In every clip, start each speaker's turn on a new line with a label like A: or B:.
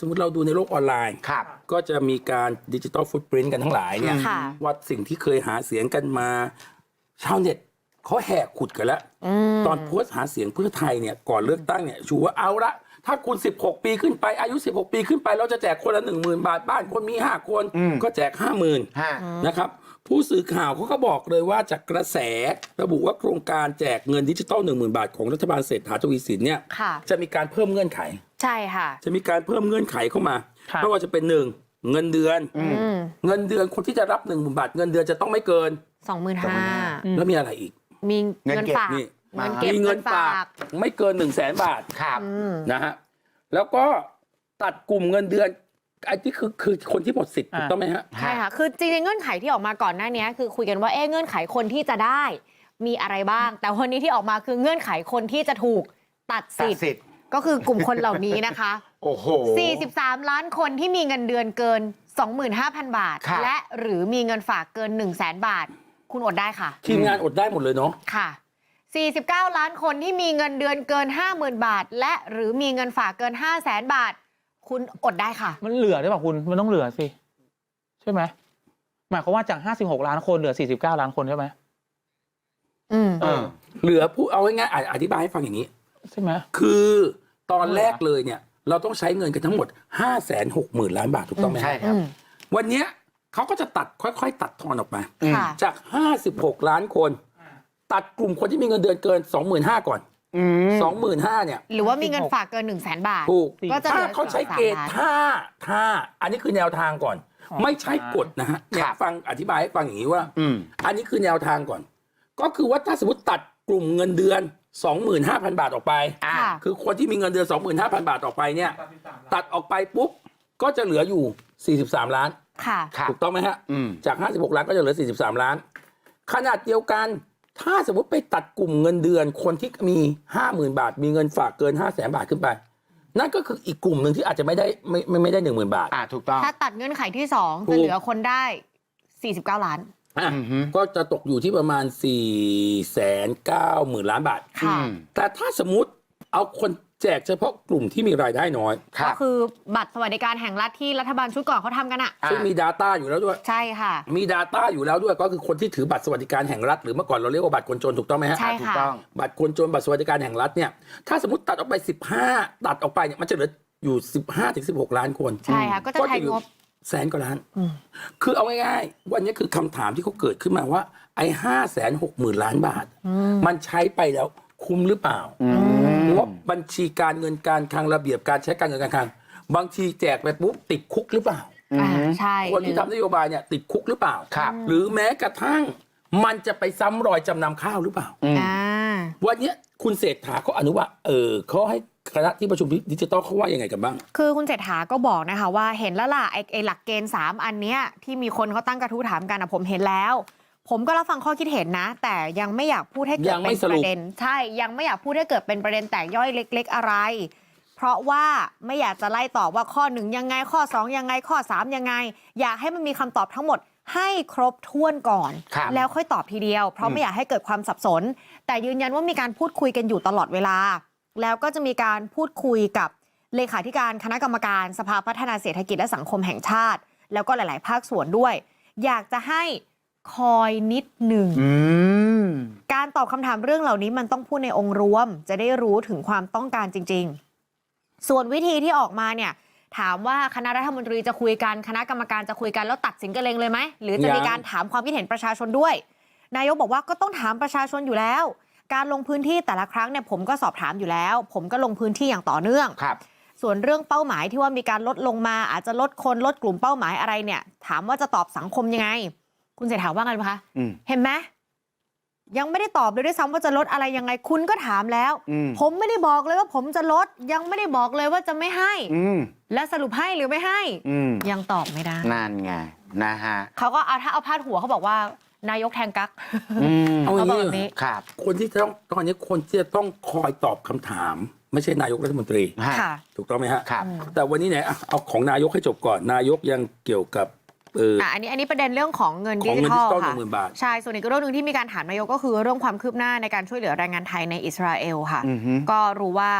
A: สมมติเราดูในโลกออนไลน์ก็จะมีการดิจิตอลฟุตปรินต์กันทั้งหลายเนี่ยว่าสิ่งที่เคยหาเสียงกันมาชาวเน็ตเขาแหกขุดกันแล้วตอนโพสต์หาเสียงเพื่อไทยเนี่ยก่อนเลือกตั้งเนี่ยชูว่าเอาละถ้าคุณ16 ปีขึ้นไปอายุ16 ปีขึ้นไปเราจะแจกคนละ 10,000 บาทบ้านคนมี5 คนก็แจก 50,000 นะครับผู้สื่อข่าวเขาก็บอกเลยว่าจากกระแสระบุว่าโครงการแจกเงินดิจิตอล 10,000 บาทของรัฐบาลเศรษฐาทวีสินเนี่ยจะมีการเพิ่มเงื่อนไขใช่ค่ะจะมีการเพิ่มเงื่อนไขเข้ามาไม่ว่าจะเป็น1เงินเดือนคนที่จะรับ 10,000 บาทเงินเดือนจะต้องไม่เกิน 25,000 แล้วมีอะไรอีกมีเงินฝากมีเงินฝากไม่เกิน 100,000 บาทนะฮะแล้วก็ตัดกลุ่มเงินเดือนไอ้ที่คือคนที่หมดสิทธิ์ถูกต้องไหมฮะ
B: ใช่ค่ะคือจริงๆเงื่อนไขที่ออกมาก่อนหน้านี้คือคุยกันว่าเงื่อนไขคนที่จะได้มีอะไรบ้างแต่วันนี้ที่ออกมาคือเงื่อนไขคนที่จะถูกตัดสิทธิ์ก็คือกลุ่มคนเหล่านี้นะคะ
C: โอ้โห
B: 43 ล้านคนที่มีเงินเดือนเกิน 25,000 บาทและหรือมีเงินฝากเกิน 100,000 บาทคุณอดได้ค่ะ
A: ทีมงานอดได้หมดเลยเนาะ
B: ค่ะ49 ล้านคนที่มีเงินเดือนเกิน 50,000 บาทและหรือมีเงินฝากเกิน 500,000 บาทคุณอดได้ค่ะ
D: มันเหลือได้ป่ะคุณมันต้องเหลือสิใช่ไหมหมายความว่าจาก56 ล้านคนเหลือ49 ล้านคนใช่ไหม
A: เหลือผู้เอาง่ายๆอธิบายให้ฟังอย่างนี้
D: ใช่ไหม
A: คือตอนแรกเลยเนี่ยเราต้องใช้เงินกันทั้งหมด 560,000 ล้านบาทถูกต้องไหม
C: ใช่ครับ
A: วันนี้เขาก็จะตัดค่อยๆตัดทอนออกมาจาก56 ล้านคนตัดกลุ่มคนที่มีเงินเดือนเกิน 25,000 ก่อน25,000เนี่ย
B: หรือว่ามีเงินฝากเกิน 100,000 บาท
A: ถูกถ้าเขาใช้เกณฑ์ถ้าอันนี้คือแนวทางก่อนไม่ใช่กฎนะฮะเนี่ยฟังอธิบายให้ฟังอย่างนี้ว่าอันนี้คือแนวทางก่อนก็คือว่าถ้าสมมติตัดกลุ่มเงินเดือน 25,000 บาทออกไปคือคนที่มีเงินเดือน 25,000 บาทออกไปเนี่ยตัดออกไปปุ๊บก็จะเหลืออยู่43 ล้านถูกต้องไหมฮะจาก56 ล้านก็จะเหลือ43 ล้านขนาดเดียวกันถ้าสมมติไปตัดกลุ่มเงินเดือนคนที่มี 50,000 บาทมีเงินฝากเกิน 500,000 บาทขึ้นไปนั่นก็คืออีกกลุ่มหนึ่งที่อาจจะไม่ได้ 10,000 บาท
C: ถูกต้อง
B: ถ้าตัดเงื่อนไขที่2จะเหลือคนได้49 ล้าน
A: ก็จะตกอยู่ที่ประมาณ490,000 ล้านบาทแต่ถ้าสมมุติเอาคนแจกเฉพาะกลุ่มที่มีรายได้น้อย
B: ก็คือบัตรสวัสดิการแห่งรัฐที่รัฐบาลชุดก่อนเขาทำกัน
A: ซึ่งมี Data อยู่แล้วด้วย
B: ใช่ค่ะ
A: มี Data อยู่แล้วด้วยก็คือคนที่ถือบัตรสวัสดิการแห่งรัฐหรือเมื่อก่อนเราเรียกว่าบัตรคนจนถูกต้องไหมฮะ
B: ใช่ค่ะ
A: บัตรคนจนบัตรสวัสดิการแห่งรัฐเนี่ยถ้าสมมติตัดออกไป15ตัดออกไปเนี่ยมันจะเหลืออยู่15-16 ล้านคน
B: ใช่ค่ะก็จะใช้งบ
A: 100,000 กว่าล้านคือเอาง่ายๆวันนี้คือคำถามที่เขาเกิดขึ้นมาว่าไอ้560,000 ล้านบาทมันใช้ไปแล้วคุ้มหรือเปล่างบบัญชีการเงินการคลังระเบียบการใช้การเงินการคลังบางทีแจกไปปุ๊บติดคุกหรือเปล่า
B: ใช่
A: คนที่ทำนโยบายเนี่ยติดคุกหรือเปล่าหรือแม้กระทั่งมันจะไปซ้ำรอยจำนำข้าวหรือเปล่าวันนี้คุณเศรษฐาเขาอนุว่าเขาให้คณะที่ประชุมดิจิตอลเขาว่ายังไงกันบ้าง
B: คือคุณเศรษฐาก็บอกนะคะว่าเห็นแล้วล่ะไอ้หลักเกณฑ์3อันเนี้ยที่มีคนเขาตั้งกระทู้ถามกันผมเห็นแล้วผมก็รับฟังข้อคิดเห็นนะแต่ยังไม่อยากพูดให้เกิดเป็นประเด็นใช่ยังไม่อยากพูดให้เกิดเป็นประเด็นแตกย่อยเล็กๆอะไรเพราะว่าไม่อยากจะไล่ตอบว่าข้อ1ยังไงข้อ2ยังไงข้อ3ยังไงอยากให้มันมีคำตอบทั้งหมดให้ครบถ้วนก่อนแล้วค่อยตอบทีเดียวเพราะไม่อยากให้เกิดความสับสนแต่ยืนยันว่ามีการพูดคุยกันอยู่ตลอดเวลาแล้วก็จะมีการพูดคุยกับเลขาธิการคณะกรรมการสภาพัฒนาเศรษฐกิจและสังคมแห่งชาติแล้วก็หลายๆภาคส่วนด้วยอยากจะให้คอยนิดหนึ่งการตอบคำถามเรื่องเหล่านี้มันต้องพูดในองค์รวมจะได้รู้ถึงความต้องการจริงๆส่วนวิธีที่ออกมาเนี่ยถามว่าคณะรัฐมนตรีจะคุยกันคณะกรรมการจะคุยกันแล้วตัดสินกันเองเลยไหมหรือจะมีการถามความคิดเห็นประชาชนด้วยนายกบอกว่าก็ต้องถามประชาชนอยู่แล้วการลงพื้นที่แต่ละครั้งเนี่ยผมก็สอบถามอยู่แล้วผมก็ลงพื้นที่อย่างต่อเนื่องส่วนเรื่องเป้าหมายที่ว่ามีการลดลงมาอาจจะลดคนลดกลุ่มเป้าหมายอะไรเนี่ยถามว่าจะตอบสังคมยังไงคุณเศรษฐาว่าไงคะเห็นไหมยังไม่ได้ตอบเลยด้วยซ้ำว่าจะลดอะไรยังไงคุณก็ถามแล้วผมไม่ได้บอกเลยว่าผมจะลดยังไม่ได้บอกเลยว่าจะไม่ให้และสรุปให้หรือไม่ให้ยังตอบไม่ได้
C: นั่นไงนะฮะ
B: เขาก็ถ้าเอาพาดหัวเขาบอกว่านายกแทงกั๊ก
A: เอาแบบนี้ครับคนที่ต้องตอนนี้คนที่จะต้องคอยตอบคำถามไม่ใช่นายกรัฐมนตรีถูกต้องไหมฮะแต่วันนี้ไหนเอาของนายกให้จบก่อนนายกยังเกี่ยวกับ
B: อันนี้ประเด็นเรื่องของเงินดิจิทัลค่ะใช่ส่วนอีกเรื่องนึงที่มีการถามนายกก็คือเรื่องความคืบหน้าในการช่วยเหลือแรงงานไทยในอิสราเอลค่ะก็รู้ว่า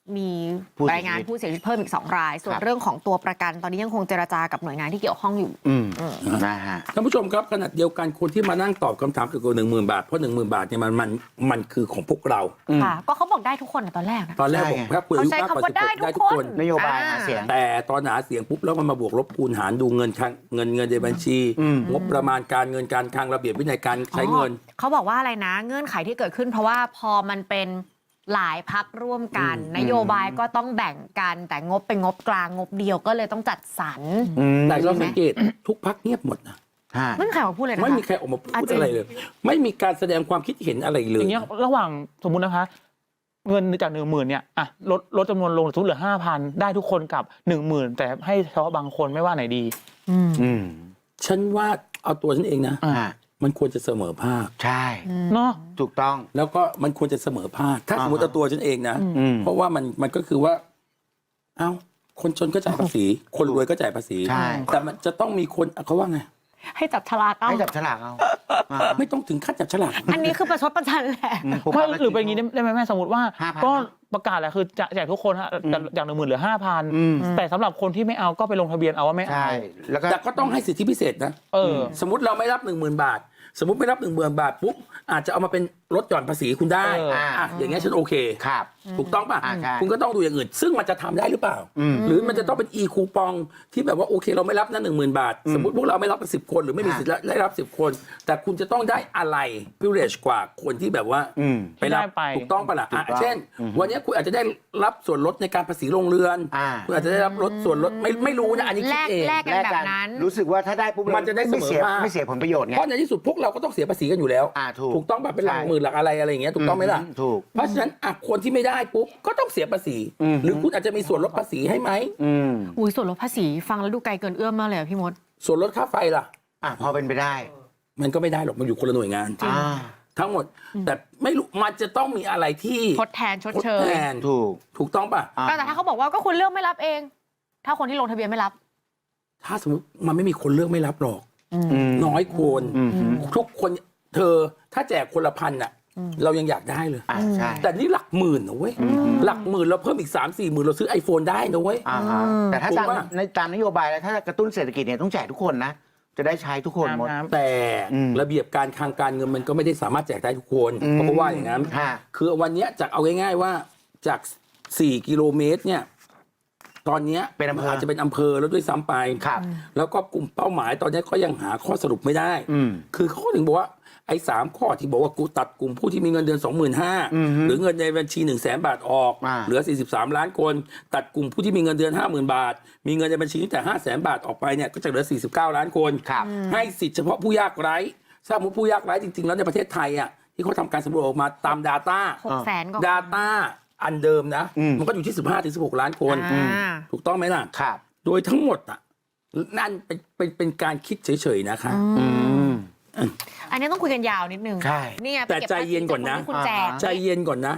B: มี
C: ผู้เสียชีวิต
B: รายงานผู้เสียชีวิตเพิ่มอีก2 ราย ส่วน
C: ครับ
B: เรื่องของตัวประกันตอนนี้ยังคงเจรจากับหน่วยงานที่เกี่ยวข้องอยู่
C: นะฮะ
A: ท่านผู้ชมครับขณะเดียวกันคนที่มานั่งตอบคำถามเกี่ยวกับ10,000 บาทเพราะ10,000 บาทเนี่ยมันคือของพวกเรา
B: ค่ะ ก็เขาบอกได้ทุกคนตอนแรกนะ
A: ตอนแรก
C: ใช่
A: บอกถ้าคุณอายุมากกว่า
B: เขาใช้คำว่า
A: 16ได้
B: ได้
A: ทุ
B: ทุ
A: ก
B: ก
A: ค
B: คน น
C: นโยบายหาเสียง
A: แต่ตอนหาเสียงปุ๊บแล้วมันมาบวกลบคูณหารดูเงินในบัญชี งบประมาณการเงินการคลังระเบียบวินัยการใช้เงิน
B: เขาบอกว่าอะไรนะ เงื่อนไขที่เกิดขึ้นเพราะว่าพอมันเป็นหลายพักร่วมกัน นโยบายก็ต้องแบ่งกัน แต่งบเป็นงบกลางงบเดียวก็เลยต้องจัดสรร
A: แต่เราสังเกตทุกพักเงียบหมดนะ
B: ไม่มีใครมาพูดเลยนะคะ
A: ไม่มีใครออกมาพู
B: อ่ะ
A: ด
B: จริง
A: อะไรเลย ไม่มีการแสดงความคิดเห็นอะไรเล
D: อย ย่างเงี้ยระหว่างสมมุตินะคะ เงินจาก10,000เนี่ยอ่ะลดจำนวนลงสมมติเหลือ5,000ได้ทุกคนกับ10,000แต่ให้เฉพาะบางคนไม่ว่าไหนดี
A: ฉันว่าเอาตัวฉันเองนะ มันควรจะเสมอภาค
C: ใช่
D: เนาะ
C: ถูกต้อง
A: แล้วก็มันควรจะเสมอภาค ถ้าสมมติเอาตัวฉันเองนะ เพราะว่ามันก็คือว่า เอ้า คนจนก็จ่ายภาษี คนรวยก็จ่ายภาษี
C: ใช่
A: แต่มันจะต้องมีคนเขาว่าไง
B: ให้จับฉลากเอา
C: ให้จับฉลากเอา
A: ไม่ต้องถึงขั้นจับฉลาก
B: อันนี้คือประชดประชันแหละ
D: ไม่หรือเป็นอย่างนี้ได้ไหมแม่สมมติว่า
C: 5,000
D: ก็ประกาศแหละคือจะแจกทุกคนฮะจาก10,000เหลือ 5,000แต่สำหรับคนที่ไม่เอาก็ไปลงทะเบียนเอาว่าไม่เอา
C: ใช่ แล้วก็
A: แต่ก็ต้องให้สิทธิพิเศษนะ สมมติเราไม่รับ 10,000 บาท สมมติไม่รับ10,000 บาทปุ๊บอาจจะเอามาเป็นลดหย่อนภาษีคุณได้อย่างเงี้ยฉันโอเค
C: ครับ
A: ถูกต้องป่ะ
C: ใช่
A: คุณก็ต้องดูอย่างอื่น ซึ่งมันจะทำได้หรือเปล่า หรือมันจะต้องเป็นอีคูปองที่แบบว่าโอเคเราไม่รับนะ10,000 บาท สมมติพวกเราไม่รับกัน10 คนหรือไม่มีสิทธิ์ได้รับ10 คน แต่คุณจะต้องได้อะไร privilege กว่าคนที่แบบว่าไปรับถูกต้องป่ะล่ะเช่น วันนี้คุณอาจจะได้รับส่วนลดในการภาษีโรงเรือนคุณอาจจะได้รับลดส่วนลดไม่รู้นะอันนี้คิดเอง
B: แลกกันแบบนั้น
C: รู้สึกว่าถ้าได้ปุ๊บ
A: มันจะได้เสมอภาค
C: ไม่เสียผลประโยชน์ไง
A: เพราะในที่สุดพวกเราก็ต้องเสียภาษีกันอยู่แล้ว ถูกต้องป่ะเป็นหลักหมื่นหลักอะไรอย่างเงี้ยถูกต้องไหมล่ะ
C: ถูก
A: เพราะฉะนั้นคนที่ไม่ได้ปุ๊บก็ต้องเสียภาษี หรือคุณอาจจะมีส่วนลดภาษีให้ไหม
B: อุ้ยส่วนลดภาษีฟังแล้วดูไกลเกินเอื้อมมากเลยอะพี่มด
A: ส่วนลดค่าไฟล่ะ
C: พอเป็นไปได้
A: มันก็ไม่ได้หรอกมันอยู่คนละหน่วยงาน ทั้งหมด แต่ไม่รู้มันจะต้องมีอะไรที่
B: ทดแทนชดเช
A: ทด
B: ย
A: แทนถูกต้องป่ะ
B: แต่ถ้าเขาบอกว่าก็คุณเลือกไม่รับเอง ถ้าคนที่ลงทะเบียนไม่รับ
A: ถ้าสมมติมันไม่มีคนเลือกไม่รับหรอกน้อยคนทุกคนเธอถ้าแจกคนละ1,000อ่ะเรายังอยากได้เลย
C: ใช่
A: แต่นี่หลักหมื่นนะเว้ยหลักหมื่นเราเพิ่มอีก 3-4 หมื่นเราซื้อ iPhone ได้นะเว้ย
C: แต่ถ้า
A: ถูกปะ
C: ตามนโยบายแล้วถ้ากระตุ้นเศรษฐกิจเนี่ยต้องแจกทุกคนนะ จะได้ใช้ทุกคนหมด
A: แต่ระเบียบการคลังการเงินมันก็ไม่ได้สามารถแจกได้ทุกคนเพราะว่าอย่างนั้นคือวันนี้จากเอาง่ายๆว่าจาก 4 กิโลเมตรเนี่ยตอนนี้เป็นอำเภออาจจะเป็นอำเภอแล้วด้วยซ้ำไปแล้วก็กลุ่มเป้าหมายตอนนี้ก็ยังหาข้อสรุปไม่ได้คือเขาถึงบอกว่าไอ้3ข้อที่บอกว่ากูตัดกลุ่มผู้ที่มีเงินเดือน 25,000 หรือเงินในบัญชี 100,000 บาทออกเหลือ43ล้านคนตัดกลุ่มผู้ที่มีเงินเดือน 50,000 บาทมีเงินในบัญชีตั้งแต่ 500,000 บาทออกไปเนี่ยก็จะเหลือ49ล้านคนให้สิทธิ์เฉพาะผู้ยากไร้ถ้าสมมติผู้ยากไร้จริงๆแล้วในประเทศไทยอ่ะที่เขาทำการสำรวจออกมาตาม Data
B: 600,000 ก็
A: Data อันเดิมนะมันก็อยู่ที่ 15-16 ล้านคนถูกต้องไหมล่ะโดยทั้งหมดอ่ะนั่นเป็นการคิดเฉยๆนะคะ
B: อันนี้ต้องคุยกันยาวนิดนึง
C: ใช่
B: นี่ไง
A: แต่ใจเย็นก่อนนะ
B: คุณแจก
A: ใจเย็นก่อนนะ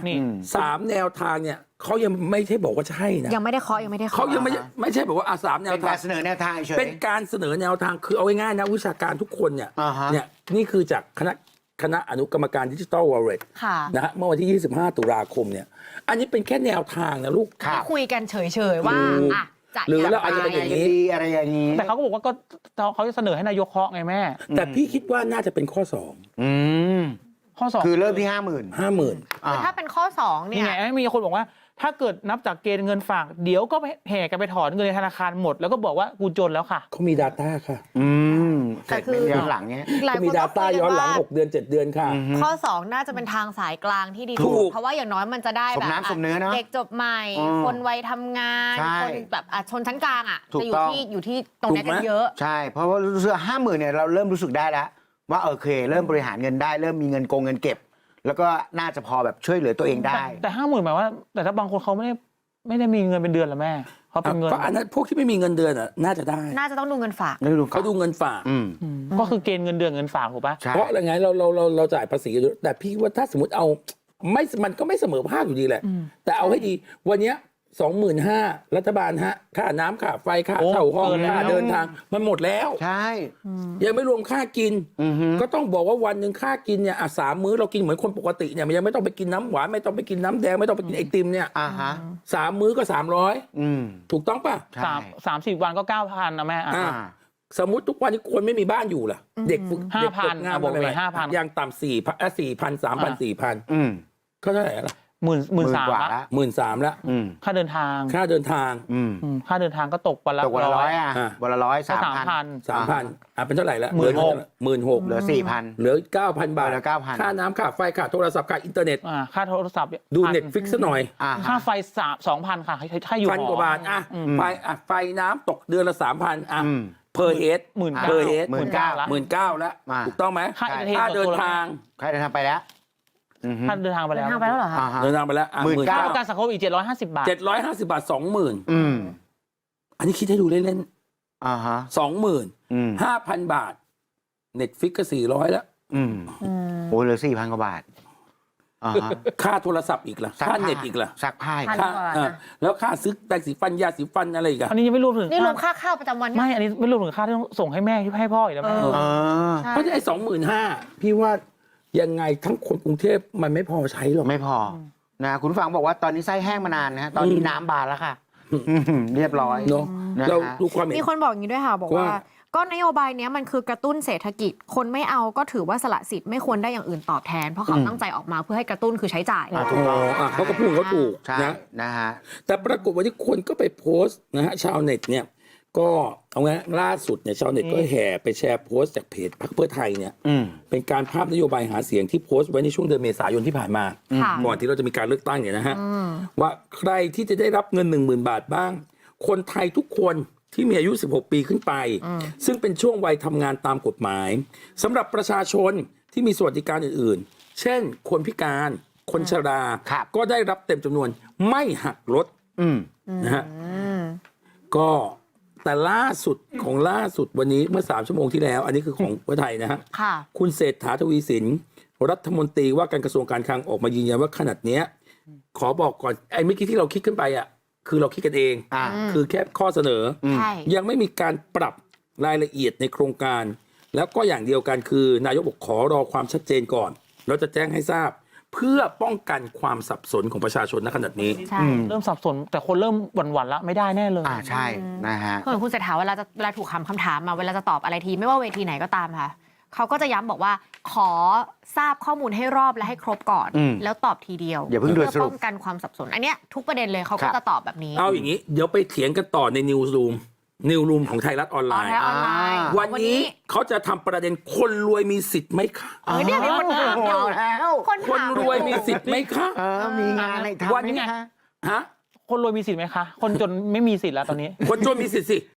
A: 3 แนวทางเนี่ยเขายังไม่ใช่บอกว่าใช่นะ
B: ยังไม่ได้เคาะยังไม่ได้เคาะ
A: เขายังไม่ใช่แบบว่า3 แนว
C: เป็น
A: ทา
C: การ
A: ง
C: เสนอแนวทางเฉย
A: เป็นการเสนอแนวทางคือเอาง่ายๆนะวิชาการทุกคนเนี่ยเนี่ยนี่คือจากคณะอนุกรรมการดิจิทัลวอลเล็ตนะฮะเมื่อวันที่ 25 ตุลาคมเนี่ยอันนี้เป็นแค่แนวทางนะลูก
B: คุยกันเฉยๆว่าอ่ะจะ
A: หรือเรา
B: ง
A: อาจจะเป็นอย่างนี้
C: ดีอะไรอย่างนี้
D: แต่เขาก็บอกว่าก็เขาจะเสนอให้นายกเคาะไงแม่
A: แต่พี่คิดว่าน่าจะเป็นข้อ
D: ข้อ2
C: คือเริ่มที่ 50,000
A: 50,000
B: คือถ้าเป็นข้อ2เนี่
D: นี่
B: ย
D: ไงมีคนบอกว่าถ้าเกิดนับจากเกณฑ์เงินฝากเดี๋ยวก็แห่กันไปถอนเงินในธนาคารหมด แล้วก็บอกว่ากูจนแล้วค่ะ
A: เขามี Data ค่ะ
B: แต่คือ
C: ย้อนหลังเนี้ย
B: หลาย
A: เขา
B: ค
A: มี
B: นก็
A: Data
B: คุย
A: ย้
B: กั
A: อน
B: น
A: หลัง
B: ว่า
A: 6 เดือน 7 เดือนค่ะ
B: ข้อ2น่าจะเป็นทางสายกลางที่ดี
A: ถูก
B: เพราะว่าอย่างน้อยมันจะได้
C: ส
B: แบ
C: ม
B: บ
C: น้ำสมเนื้อเนอะ
B: เด็กจบใหม่ คนวัยทำงาน
C: ใช่
B: คนแบบชนชั้นกลางอ่ะ
C: ถูก
B: จะอยู่
C: ต้อง
B: ที่ตรงนี้กันเยอะ
C: ใช่ เพราะว่ารู้สึก50,000เนี่ยเราเริ่มรู้สึกได้แล้ว ว่าโอเค เริ่มบริหารเงินได้ เริ่มมีเงินเงินเก็บ แล้วก็น่าจะพอแบบช่วยเหลือตัวเองได้
D: แต่50,000หมายว่า แต่ถ้าบางคนเขาไม่ได้มีเงินเป็นเดือนละแม่เขาเป็นเงิน
A: ก็อันนั้นพวกที่ไม่มีเงินเดือนอ่ะน่าจะได้
B: น่าจะต้องดูเงินฝาก
A: เขาดูเงินฝาก
D: ก็คือเกณฑ์เงินเดือนเงินฝากถูกปะ
C: ใช่
A: เพราะอะไรไงเราจ่ายภาษีกันอยู่แต่พี่ว่าถ้าสมมติเอาไม่มันก็ไม่เสมอภาคอยู่ดีแหละ แต่เอาให้ดีวันเนี้ย 25,000รัฐบาลฮะค่าน้ำค่าไฟค่า
D: โอ้
A: เช่าห้อง
D: เกินแล้ว
A: ค่าเดินทางมันหมดแล้ว
C: ใช่
A: ยังไม่รวมค่ากิน
C: อือฮึ
A: ก็ต้องบอกว่าวันหนึ่งค่ากินเนี่ย3 มื้อเรากินเหมือนคนปกติเนี่ยมันยังไม่ต้องไปกินน้ำหวานไม่ต้องไปกินน้ำแดงไม่ต้องไปกินไอติมเนี่ย
C: อ่าฮะ
A: 3 มื้อก็300
C: อืม
A: ถูกต้องป่ะ
C: ใช่
D: 30 วันก็ 9,000นะแม่อ่ะ
A: อ่า
C: อ่า
A: สมมติทุกวันนี้คนไม่มีบ้านอยู่ล่ะ เด็กฝึก
D: 5,000
A: เด็กฝึกงาน
D: อ่ะบอกไป
A: ใหม่ๆ
D: 5,000
A: อย่างต่ำ4,000 3,000 4,000
C: อืม
A: ก็เท่าไหร่ละ
D: 13,000
C: กว่า
D: ละ
C: ละ
A: 13,000ละ
C: อืม
D: ค่าเดินทาง
A: ค่าเดินทาง
C: อืม
D: ค่าเดินทางก็ตกวันละ
C: ตกวันละร้อยอ่ะ
A: อ่ะ
C: วันละร้อย
D: ก็
C: 3,000
A: 3,000เป็นเท่าไหร่ละ
D: 16,000
A: 16,000
C: เหลือ 4,000
A: เหลือ 9,000 บาท
C: เหลือ 9,000
A: ค่าน้ำค่าไฟค่าโทรศัพท์ค่าอินเทอร์เน็ต
D: ค่าโทรศัพท์
A: ดู
D: 1,000
A: Netflix ซะหน่อย
C: อ่า
D: ค่าไฟ2,000 ค่ะถ้าอยู่
A: พัน
D: หอก
A: ว่าบาทอ่ะไฟน้ำตกเดือนละ 3,000อ่ะ
C: อืม
A: per head
D: 19,000
A: per head
C: 19,000
D: ละ
A: 19,000แล้ว
C: อ่า
A: ถูกต้องไหม
D: ค่า
A: ค่าเดินทาง
C: ใครเดินทางไปแล้วอือฮึ
D: ค่าเดินทางไป
B: เดิ
D: แล้ว
B: นทางไปแล้วเหรอคะ
C: อ่าฮะ
A: เดินทางไปแล้ว
C: 19,000
D: ค่าประกันสังคมอีก750 บาท
A: 750 บาท 20,000
C: อืม
A: อันนี้คิดให้ดูเล่น
C: อ่าฮะ
A: ๆ 20,000
C: อืม
A: 5,000 บาท Netflix ก็400แล้ว
C: อืมโอ้เหลือ 4,000 กว่าบาทอ่าฮะ
A: ค่าโทรศัพท์อีกล่ะ
C: ซัก
A: ค่า
C: ผ้า
A: เน็ตอีกล่ะ
C: ซักผ้าอีก
B: พัน
A: ค่า
B: กว่าบาท
A: แล้วค่าซื้อแปรงสีฟันยาสีฟันอะไรอีกอะ
D: อันนี้ยังไม่รวมถึง
B: นี่รวมค่าข้าวประจำวัน
D: ไม่ อันนี้ไม่รวมถึงค่าที่ต้องส่งให้แม่ที่ให้พ่ออีกแล้วแม่
C: เออ
B: ใช่
A: เพราะฉะนั้นไอ้25,000พี่ว่ายังไงทั้งคนกรุงเทพมันไม่พอใช้หรอก
C: ไม่พอนะคุณผู้ฟังบอกว่าตอนนี้ไส้แห้งมานานนะฮะตอนนี้น้ำบานแล้วค่ะเรียบร้อย
A: เนาะ
C: นะฮะ
A: เราดูความเห็น
B: มีคนบอกอย่างนี้ด้วยค่ะ บอกว่า
A: ว่า
B: ก็นโยบายเนี้ยมันคือกระตุ้นเศรษฐกิจ คนไม่เอาก็ถือว่าสละสิทธิ์ไม่ควรได้อย่างอื่นตอบแทน เพราะเขาตั้งใจออกมาเพื่อให้กระตุ้นคือใช้จ่าย
C: ถูกต้อง
A: เขาก็พูดเขาถูก
C: ใช่
A: นะ
C: นะฮะ
A: แต่ปรากฏว่าที่คนก็ไปโพสต์นะฮะชาวเน็ตเนี่ยก็เอาไงล่าสุดเนี่ยชาวเน็ตก็แห่ไปแชร์โพสต์จากเพจพรรคเพื่อไทยเนี่ย
C: อืม
A: เป็นการภาพนโยบายหาเสียงที่โพสต์ไว้ในช่วงเดือนเมษายนที่ผ่านมา
B: ค่ะ
A: ก่อนที่เราจะมีการเลือกตั้งเนี่ยนะฮะว่าใครที่จะได้รับเงิน 10,000 บาทบ้าง คนไทยทุกคนที่มีอายุ 16 ปีขึ้นไป ซึ่งเป็นช่วงวัยทำงานตามกฎหมายสำหรับประชาชนที่มีสวัสดิการอื่นๆ เช่น คนพิการคนชรา
C: ครับ
A: ก็ได้รับเต็มจำนวนไม่หักลด
C: อืม
A: นะฮะก็แต่ล่าสุดวันนี้เมื่อ3 ชั่วโมงที่แล้ว อันนี้คือของเพื่อไทยนะฮะ
B: ค่ะ
A: คุณเศรษฐาทวีสินรัฐมนตรีว่าการกระทรวงการคลังออกมายืนยันว่าขนาดเนี้ยขอบอกก่อนไอ้เมื่อกี้ที่เราคิดขึ้นไปอ่ะคือเราคิดกันเอง
C: อ่า
A: คือแค่ข้อเสนอ
B: ใช่
A: ยังไม่มีการปรับรายละเอียดในโครงการ แล้วก็อย่างเดียวกันคือนายกบอกขอรอความชัดเจนก่อนเราจะแจ้งให้ทราบ เพื่อป้องกันความสับสนของประชาชนณขนาดนี้
B: ใช่
D: เริ่มสับสนแต่คนเริ่มหวั่นๆละไม่ได้แน่เลย
C: ใช่นะฮะ
B: เหมือนคุณเศรษฐาเวลาถูกคำถามมาเวลาจะตอบอะไรทีไม่ว่าเวทีไหนก็ตามค่ะเขาก็จะย้ำบอกว่าขอทราบข้อมูลให้รอบและให้ครบก่อน
C: อืม
B: แล้วตอบทีเดียว
C: อย่าเพิ่งด่วนสรุป
B: ป้องกันความสับสน อันเนี้ยทุกประเด็นเลยเขา
C: ครั
B: ก็
C: บ
B: จะตอบแบบนี้
A: เอาอย่างนี้เดี๋ยวไปเถียงกันต่อในนิวส์รูมของไทยรัฐออนไล
B: ออน
A: น์
B: ไลน์ออนไลน์
A: วันนี้เขาจะทำประเด็นคนรวยมีสิทธิ์ไหมคะ
B: เนี่ยมีคนถามอยู่
C: เอาแล้ว
B: คน
A: คน
B: ถาม
A: รวยมีสิทธิ์ไหมคะ
C: มีงานในทำ
A: วัน
C: ไหม
A: นี้
C: คะ
A: ฮะ
D: คนรวยมีสิทธิ์ไหมคะ คนจนไม่มีสิทธิ์แล้วตอนนี้
A: คนจนมีสิทธิ์สิ